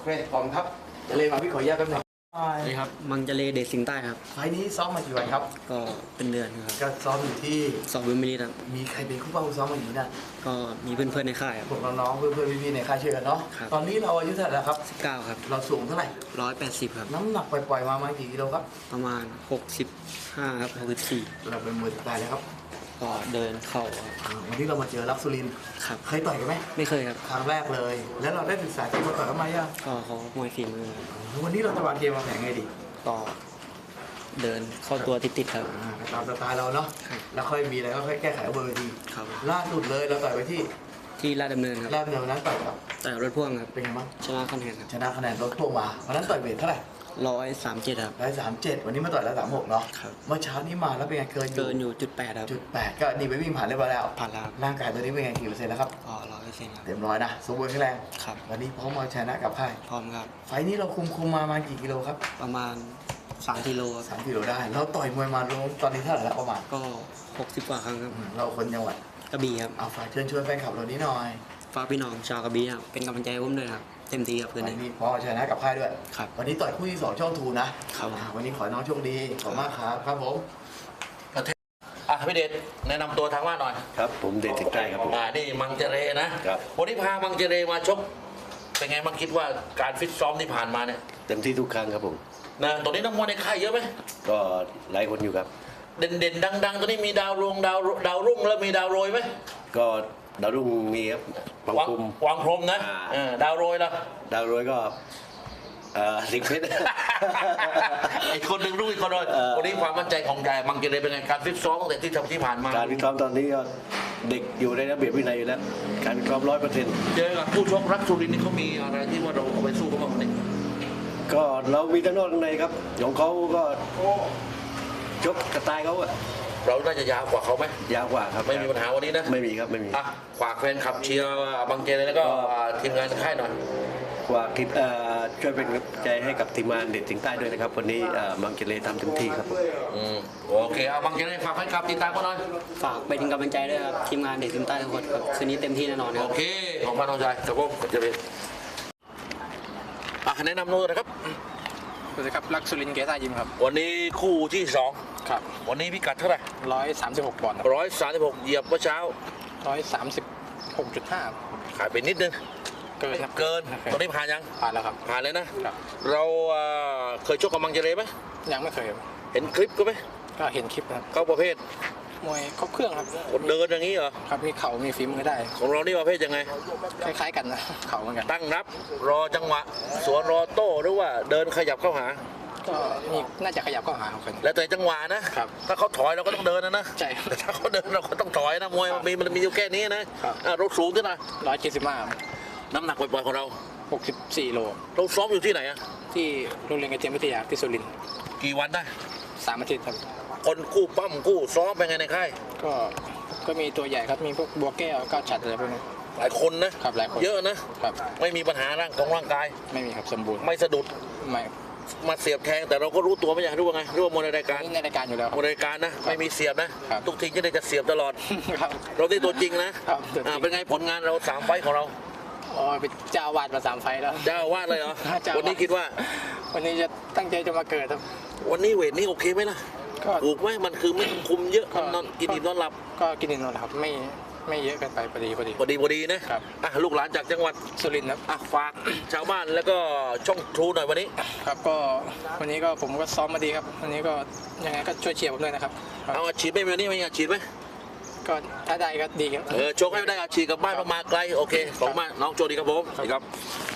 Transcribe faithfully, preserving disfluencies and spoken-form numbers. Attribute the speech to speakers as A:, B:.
A: เคพร้อมครับจะเลยมาพี่ขออนุญาตแป๊บนึง
B: นี่ครับมังเจเลเดชสิงห์ใต้ครับ
A: ไฟล์นี้ซ้อมมากี่วันครับ
B: ก็เป็นเดือนครับ
A: ก็ซ้อมอยู่ที่
B: สองวิมมิลิครับ
A: มีใครเป็นคู่เป้าคู่ซ้อมมาอยู่นี่นะ
B: ก็มีเพื่อนๆในค่ายครับ
A: พวกน้องๆเพื่อนๆพี่ๆในค่ายช่วยกันเนาะ
B: ครับ
A: ตอนนี้เราอายุเท่าไหร่แล้วครับ
B: สิบเก้าครับ
A: เราสูงเท่าไหร่
B: ร้อยแปดสิบครับ
A: น้ำหนักปล่อยๆมามากี่กิโลครับ
B: ประมาณหกสิบห้าครับหกสิบสี่
A: เราเป็นมวยสไตล์เลยครับ
B: ก็เดินเข่าครับ
A: อ่าวันนี้เรามาเจอลักษุรินทร์
B: ครับ
A: เคยต่อยกันไหม
B: ไม่เคยครับ
A: ครั้งแรกเลย แล้วเราได้ศึกษาที่มาต่อยกันมายัง
B: ก็เขามวยฝีมือครับ
A: วันนี้เราจะวางเกมวางแผนไงดี
B: ก็เดินเข้าตัวติดๆครับ
A: อ่าตามสไตล์เราเนาะ
B: ครับ
A: แล้วค่อยมีอะไรก็ค่อยแก้ไขเอาเบอร์ที
B: ครับ
A: ล่าสุดเลยเราต่อยไปที่
B: ที่ลาดดำเนินครับ
A: แรกเดียวนั้นต่อยกับ
B: แต่รถพ่วงครับ
A: เป็นไงบ้าง
B: ชนะคะแนนครับ
A: ชนะคะแนนลดพวกมาวันนั้นต่อยเวทเท่าไหร่
B: ร้อยสามเจ็ดครับ
A: ร้อยสามเจ็ดวันนี้มาต่อยร้อยสามหกเนาะ
B: ครับ
A: เมื่อเช้านี้มาแล้วเป็นไงเกินอยู่
B: เกินอยู่จุดแปดครับ
A: จุดแปดก็ดีไปวิ่งผ่านเรียบร้อยแล้ว
B: ผ่านแล้วครับ
A: ร่างกายตัวนี้เป็นไงกี่เปอร์เซ็นต์แล้วครับ
B: ก็ร้อยเปอร์เซ็นต์ครับ
A: เต็มร้อยนะสมบูรณ์แข็งแรง
B: ครับ
A: วันนี้พร้อมมาชนะกับค่าย
B: พร้อมครับ
A: ไฟล์นี้เราคุมคุมมาประมาณกี่กิโลครับ
B: ประมาณสามกิโลครับ
A: สามกิโลได้เราต่อยมวยมาลงตอนนี้เท่าไหร่แล้วประมาณ
B: ก็หกสิบกว่าครั้งครับ
A: อืมเราคนจังหวัด
B: กระบี่ครับ
A: เอาฝากเชิญชวนแฟนคลับเรานี้หน่อย
B: ฝากพี่น้องชาวกระบี่ครับเป็นกำลังใจให้ผมด้วยครับเต็มที่ครับคืน
A: วัน
B: นี้
A: นี้พร้อมมาชนะกับค่ายด้วย
B: ครับ
A: วันนี้ต่อยคู่ที่สองช่องทูนะครับ อ่าวันนี้ขอให้น้องโชคดีขอบคุณมากครับครับผม
C: อ่ะพี่เดชแนะนำตัวทางบ้านหน่อย
D: ครับผมเดชสิงห์ใต้ครับผม
C: อ่านี่มังเจเรนะครับ วันนี้พามังเจเรมาชกเป็นไงบ้างคิดว่าการฟิตซ้อมที่ผ่านมาเนี่ย
D: เต็มที่ทุกครั้งครับผม
C: นะตอนนี้นักมวยในค่ายเยอะไหม
D: ก็หลายคนอยู่ครับ
C: เด่นๆดังๆตอนนี้มีดาวรวงดาวดาวรุ่งแล้วมีดาวโรยไหม
D: ก็ดาวรุ่งมีครับบาง
C: วาง
D: คุม
C: วางพรหมนะ
D: อ่า
C: เออดาวโรยล่ะ
D: ดาวรวยก็เอ่อสิงห์เพชร
C: ไอ้คนหนึ่งรู้อีกคนเลย
D: เออ
C: วันนี้ความมั่นใจของใจมังเจเรเป็นไงการฟิตซ้อมตั้งแต่ที่ทำที่ผ่านมา
D: การวิเคราะห์ตอนนี้ก็เด็กอยู่ในระเบียบวินัยอยู่แล้ว การวิเคราะห์ร้อยเปอร์เซ็นต์
C: เจอกับผู้ชกรักสุรินทร์นี่เขามีอะไรที่ว่าเราเอาไปสู้เขาบ้างเนี่ย
D: ก็เรามีทั้งนอกทั้งในครับของเขาก็ชกกระตายเขาอะ
C: เราน่าจะยาวกว่าเขาไหม
D: ยาวกว่าครับ
C: ไม่มีปัญหาวันนี้นะ
D: ไม่มีครับไม่มี
C: อ่ะฝากแฟนคลับเชียร์บังเจเลยแล้วก็ทีมงานค่ายหน่อย
D: กว่าคิดเอ่อช่วยเป็นกำลังใจให้กับทีมงานเด็ดสิงห์ใต้ด้วยนะครับ วันนี้เอ่อมังเจเลทำเต็มที่ครับ
C: อืมโอเคเอาบังเจเลยฝากแฟนคลับติดตามกันหน่อย
B: ฝากเป็นกำลังใจด้วยครับทีมงานเด็กทีมใต้ทุกคนครับคืนนี้เต็มที่แน่นอนค
C: โอ
B: รับ
C: เคของพันน้องชายครับผมบังเจเลยอ่ะแนะนำตัวนะครับ
E: สวัสดีครับลักษุรินทร์เกษายิมครับ
C: วันนี้คู่ที่สอง
E: ครับ
C: วันนี้พิกัดเท่าไหร่
E: ร้อยสามสิบหกปอนด์
C: ร้อยสามสิบหกเหยียบเมื่อเช้า
E: ร้อยสามสิบหกจุดห้า
C: ขายไปนิดนึง
E: เกินครับ
C: เกิน
E: โอเค
C: ตอนนี้ผ่านยัง
E: ผ่านแล้วครับ
C: ผ่านเลยนะครับ เราเอ่อเคยชกกับมังเจเลยไหม
E: ยังไม่เคยครับ
C: เห็นคลิปก็ไหม
E: ก็เห็นคลิปนะครับ
C: เขาประเภท
E: มวยครบเครื่องครับ
C: เดินอย่างนี้เหรอ
E: ครับมีเข่ามีฝีมือได้
C: ของเรานี่ประเภทยังไง
E: คล้ายๆกันนะ เข่าเหมือนกัน
C: ตั้งรับรอจังหวะ สวนรอโต้หรือว่าเดินขยับเข้าหา
E: ก็มีน่าจะขยับเข้าหาคน
C: แล้วแต่จังหวะนะครับ ถ้าเขาถอยเราก็ต้องเดินนะนะ
E: ใช่
C: แต่ถ้าเขาเดินเราก็ต้องถอยนะมวยมันมีมันมีอยู่แค่นี้นะครับ อ่ะรถสูงด้วยนะ
E: ร้อยเจ็ดสิบห้า
C: น้ำหนักปล่อยๆของเรา
E: หกสิบสี่โล
C: เราซ้อมอยู่ที่ไหนอะ
E: ที่โรงเรียนกระเทียมวิทยาที่สุรินทร์
C: กี่วันได้
E: สามอาทิตย์ครับ
C: คนคู่ปั้มคู่ซ้อมเป็นไงในค่าย
E: ก็ก็มีตัวใหญ่ครับมีพวกบัวแก้วก้าวฉัดอะไรพวกนี้
C: หลายคนนะครับ
E: หลายคน
C: เยอะนะครับ ไม่มีปัญหาร่างของร่างกาย
E: ไม่มีครับสมบูรณ์
C: ไม่สะดุด
E: ไม่
C: มาเสียบแทงแต่เราก็รู้ตัวไม่อยากรู้ว่าไงรู้ว่ามวยในรายการ
E: นี่ในรายการอยู่แล้ว
C: มวยในรายการนะไม่มีเสียบนะครับ ทุกทีก็ได้จะเสียบตลอด
E: ครับ
C: เราได้ตัวจริงนะครับ
E: ตัวจริง
C: อ่าเป็นไงผลงานเราสามไฟต์ของเรา
E: อ๋อเป็นเจ้าอาวาดมาสามไฟล์แล้ว
C: เจ้าอาวาดเลยเหรอ
E: เจ้าอาวาส
C: วันนี้คิดว่า
E: วันนี้จะตั้งใจจะมาเกิดครับ
C: วันนี้เวทนี้โอเคไหมล่ะ
E: ก็
C: ถูกไหมมันคือไม่คุมเยอะ
E: ก็
C: นอนกินอิ่มนอนหลับ
E: ก็กินอิ่มนอนหลับไม่ไม่เยอะเกินไปพอดีพอดี
C: พอดีพอดีนะครับ อ่ะลูกหลานจากจังหวัด
E: สุรินทร์ครับ
C: อ่ะฝาก ชาวบ้านแล้วก็ช่องทรูหน่อยวันนี้
E: ครับก็วันนี้ก็ผมก็ซ้อมมาดีครับ วันนี้ก็ยังไงก็ช่วยเชียร์ผมด้วยนะครับครับ
C: เอาอาชีพไหมวันนี้ไม่อาชีพไหม
E: ก็ถ้าได้ก็ดีครับ
C: เออโชคให้ได้อาชีพกลับบ้านมาไกลโอเคขอบคุณมากน้องโจดีครับผมสวัสดีครับ